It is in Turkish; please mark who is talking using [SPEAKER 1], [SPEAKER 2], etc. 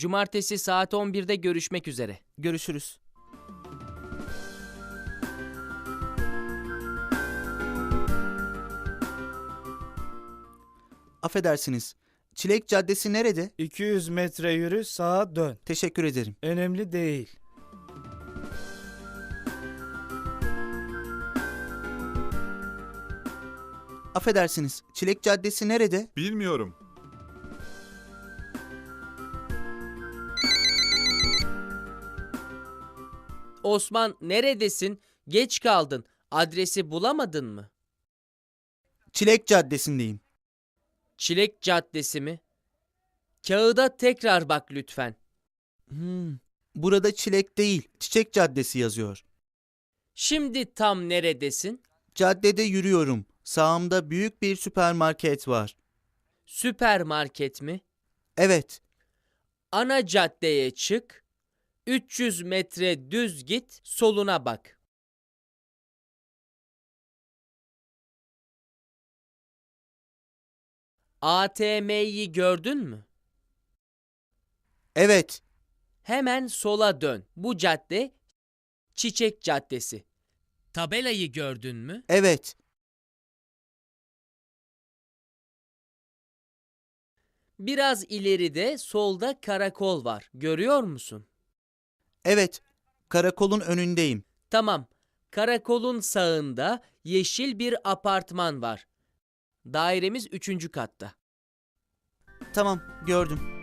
[SPEAKER 1] Cumartesi saat 11'de görüşmek üzere.
[SPEAKER 2] Görüşürüz. Affedersiniz. Çilek Caddesi nerede?
[SPEAKER 3] 200 metre yürü, sağa dön.
[SPEAKER 2] Teşekkür ederim.
[SPEAKER 3] Önemli değil.
[SPEAKER 2] Affedersiniz. Çilek Caddesi nerede?
[SPEAKER 4] Bilmiyorum.
[SPEAKER 1] Osman, neredesin? Geç kaldın. Adresi bulamadın mı?
[SPEAKER 2] Çilek Caddesi'ndeyim.
[SPEAKER 1] Çilek Caddesi mi? Kağıda tekrar bak lütfen.
[SPEAKER 2] Burada Çilek değil, Çiçek Caddesi yazıyor.
[SPEAKER 1] Şimdi tam neredesin?
[SPEAKER 2] Caddede yürüyorum. Sağımda büyük bir süpermarket var.
[SPEAKER 1] Süpermarket mi?
[SPEAKER 2] Evet,
[SPEAKER 1] Ana caddeye çık. 300 metre düz git, soluna bak. ATM'yi gördün mü?
[SPEAKER 2] evet,
[SPEAKER 1] Hemen sola dön. Bu cadde Çiçek Caddesi. Tabelayı gördün mü?
[SPEAKER 2] evet.
[SPEAKER 1] Biraz ileride solda karakol var. Görüyor musun?
[SPEAKER 2] Evet, karakolun önündeyim.
[SPEAKER 1] Tamam. Karakolun sağında yeşil bir apartman var. Dairemiz 3. katta.
[SPEAKER 2] Tamam, gördüm.